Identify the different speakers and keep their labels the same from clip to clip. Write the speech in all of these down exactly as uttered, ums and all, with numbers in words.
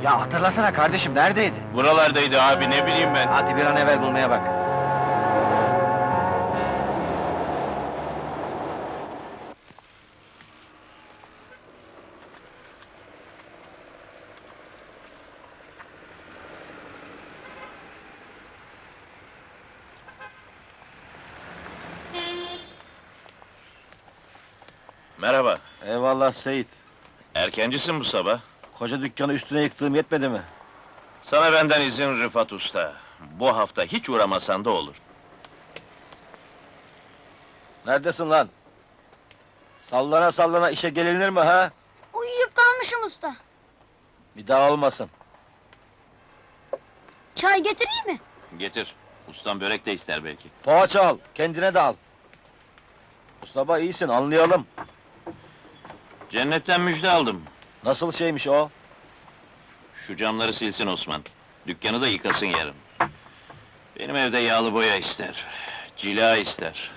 Speaker 1: Ya hatırlasana kardeşim, neredeydi?
Speaker 2: Buralardaydı abi, ne bileyim ben.
Speaker 1: Hadi bir an evvel bulmaya bak.
Speaker 2: Merhaba,
Speaker 1: Eyvallah Seyit.
Speaker 2: erkencisin bu sabah.
Speaker 1: Koca dükkanı üstüne yıktığım yetmedi mi?
Speaker 2: Sana benden izin Rıfat Usta. Bu hafta hiç uğramasan da olur.
Speaker 1: Neredesin lan? Sallana sallana işe gelinir mi ha?
Speaker 3: Uyuyup kalmışım usta.
Speaker 1: Bir daha olmasın.
Speaker 3: Çay getireyim mi?
Speaker 2: Getir, ustam börek de ister belki.
Speaker 1: Poğaça al, kendine de al. Bu sabah iyisin, anlayalım.
Speaker 2: Cennetten müjde aldım.
Speaker 1: Nasıl şeymiş o?
Speaker 2: Şu camları silsin Osman. Dükkanı da yıkasın yarın. Benim evde yağlı boya ister. Cila ister.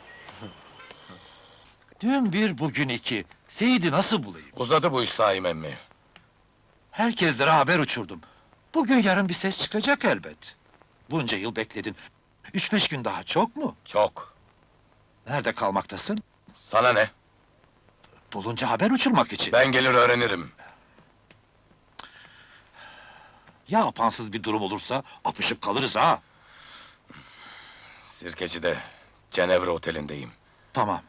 Speaker 4: Dün bir, bugün iki. Seyit'i nasıl bulayım?
Speaker 5: Uzadı bu iş Saim emmi.
Speaker 4: Herkeslere haber uçurdum. Bugün yarın bir ses çıkacak elbet. Bunca yıl bekledin. Üç beş gün daha çok mu?
Speaker 5: Çok.
Speaker 4: Nerede kalmaktasın?
Speaker 5: Sana ne?
Speaker 4: Bulunca haber uçurmak için.
Speaker 5: Ben gelir öğrenirim.
Speaker 4: Ya apansız bir durum olursa, apışıp kalırız ha!
Speaker 5: Sirkeci'de, Cenevre Oteli'ndeyim.
Speaker 4: Tamam.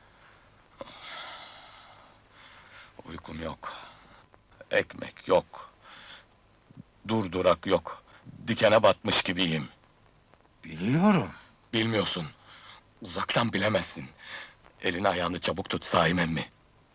Speaker 5: Uykum yok. Ekmek yok. Durdurak yok. Dikene batmış gibiyim.
Speaker 4: Biliyorum.
Speaker 5: Bilmiyorsun. Uzaktan bilemezsin. Elini ayağını çabuk tut Saim emmi.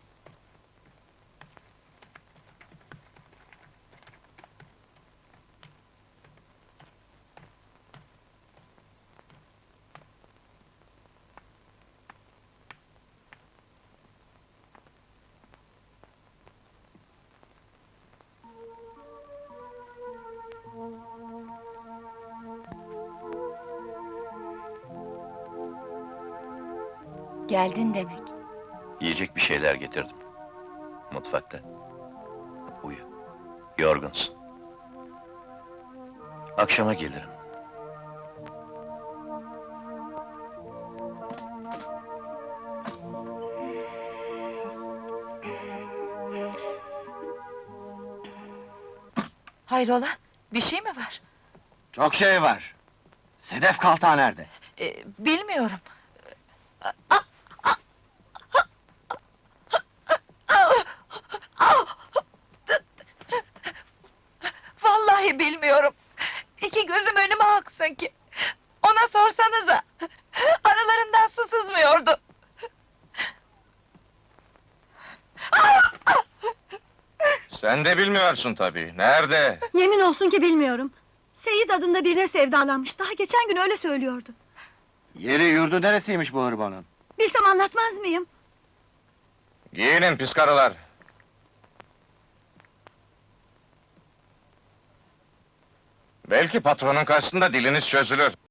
Speaker 3: Geldin demek.
Speaker 2: Yiyecek bir şeyler getirdim. Mutfakta. Uyu. Yorgunsun. Akşama gelirim.
Speaker 6: Hayrola, bir şey mi var?
Speaker 1: Çok şey var. Sedef Kalta nerede?
Speaker 6: Ee, bilmiyorum. Vallahi bilmiyorum. İki gözüm önüme aksın ki. Ona sorsanıza. Aralarından su sızmıyordu.
Speaker 2: Sen de bilmiyorsun tabii. Nerede?
Speaker 3: Yemin olsun ki bilmiyorum. Seyit adında birine sevdalanmış. Daha geçen gün öyle söylüyordu.
Speaker 1: Yeri yurdu neresiymiş bu hırbanın?
Speaker 3: Bilsem anlatmaz mıyım?
Speaker 2: Giyinin pis karılar. Belki patronun karşısında diliniz çözülür.